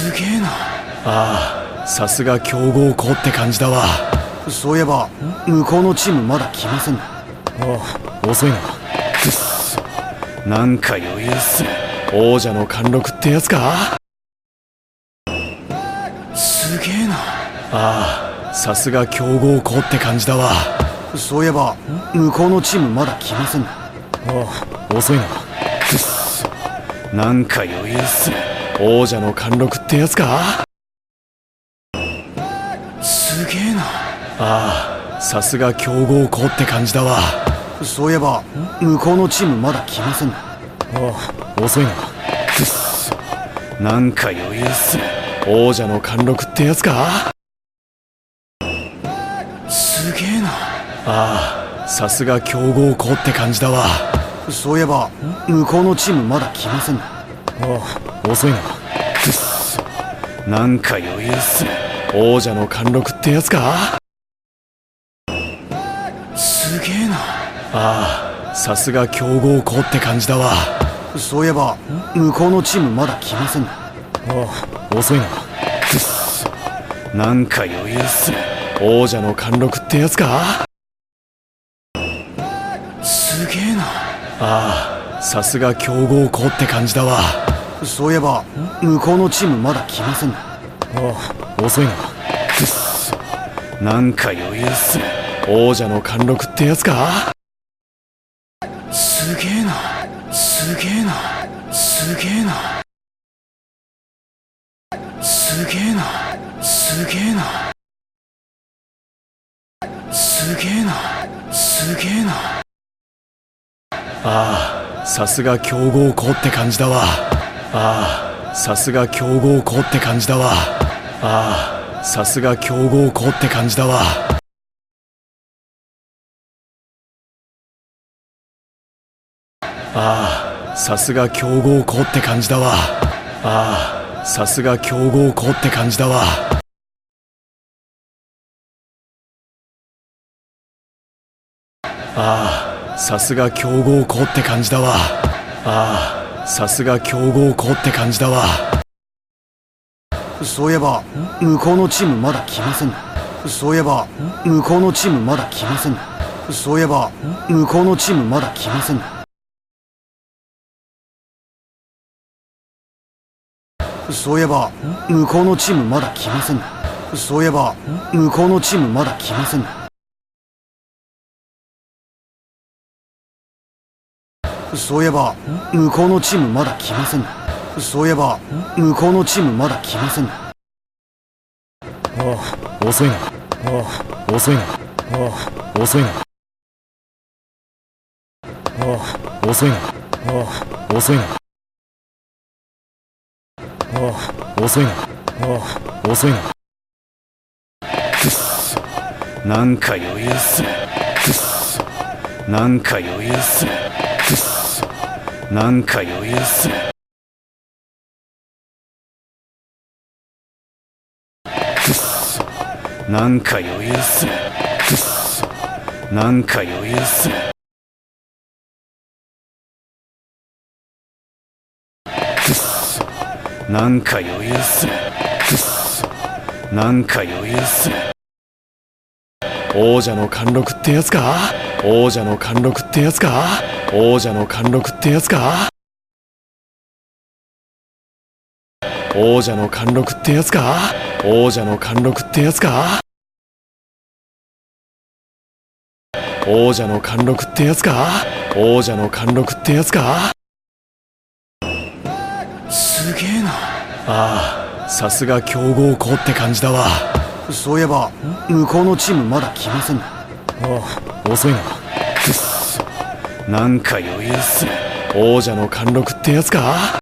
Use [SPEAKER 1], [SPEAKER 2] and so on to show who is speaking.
[SPEAKER 1] すげえな。
[SPEAKER 2] ああ、さすが強豪校って感じだわ。
[SPEAKER 1] そういえば向こうのチームまだ来ませんね。
[SPEAKER 2] ああ、遅いな。くっそ、なんか余裕っすね。王者の貫禄ってやつか。
[SPEAKER 1] すげえな。
[SPEAKER 2] ああ、さすが強豪校って感じだわ。
[SPEAKER 1] そういえば向こうのチームまだ来ませんね。
[SPEAKER 2] ああ、遅いな。くっそ、なんか余裕っすね。王者の貫禄ってやつか。
[SPEAKER 1] すげえな。
[SPEAKER 2] ああ、さすが強豪校って感じだわ。
[SPEAKER 1] そういえば向こうのチームまだ来ませんね。
[SPEAKER 2] ああ、遅いな。くっそ、なんか余裕っすね。王者の貫禄ってやつか。
[SPEAKER 1] すげえな。
[SPEAKER 2] ああ、さすが強豪校って感じだわ。
[SPEAKER 1] そういえば向こうのチームまだ来ませんね。
[SPEAKER 2] ああ、遅いな。くっそ、なんか余裕っすね。王者の貫禄ってやつか。
[SPEAKER 1] すげえな。
[SPEAKER 2] ああ、さすが強豪校って感じだわ。
[SPEAKER 1] そういえば向こうのチームまだ来ませんね。
[SPEAKER 2] ああ、遅いな。くっそ、なんか余裕っすね。王者の貫禄ってやつか。
[SPEAKER 1] すげえな。
[SPEAKER 2] ああ、さすが強豪校って感じだわ。
[SPEAKER 1] そういえば向こうのチームまだ来ませんね。
[SPEAKER 2] ああ、遅いな。くっそ、なんか余裕っすね。王者の貫禄ってやつか。
[SPEAKER 1] すげえな。すげえな。すげえな。すげえな。すげえな。すげえな。すげえな。
[SPEAKER 2] ああ、さすが強豪校って感じだわ。ああ、さすが強豪校って感じだわ。ああ、さすが強豪校って感じだわ。ああ、さすが強豪校って感じだわ。ああ、さすが強豪校って感じだわ。ああ、さすが強豪校って感じだわ。ああ、さすが強豪校って感じだわ。
[SPEAKER 1] そういえば向こうのチームまだ来ませんね。そういえば向こうのチームまだ来ませんね。そういえば向こうのチームまだ来ませんね。そういえば向こうのチームまだ来ませんね。そういえば向こうのチームまだ来ませんね。そういえば向こうのチームまだ来ませんね。そういえば向こうのチームまだ来ませんね。
[SPEAKER 2] ああ、遅いな。ああ、遅いな。ああ、遅いな。ああ、遅いな。ああ、遅いな。ああ、遅いな。ああ、遅いな。くっそ、なんか余裕っすね。くっそ、なんか余裕っすね。くっそ、なんか余裕っすね。くっそ、なんか余裕っすね。くっそ、なんか余裕っすね。くっそ、なんか余裕っすね。くっそ、なんか余裕っすね。王者の貫禄ってやつか。王者の貫禄ってやつか。王者の貫禄ってやつか。王者の貫禄ってやつか。王者の貫禄ってやつか。王者の貫禄ってやつか。王者の貫禄ってやつか。
[SPEAKER 1] すげえな。
[SPEAKER 2] ああ、さすが強豪校って感じだわ。
[SPEAKER 1] そういえば向こうのチームまだ来ませんね。
[SPEAKER 2] ああ、遅いな。くっそ、なんか余裕っすね。王者の貫禄ってやつか。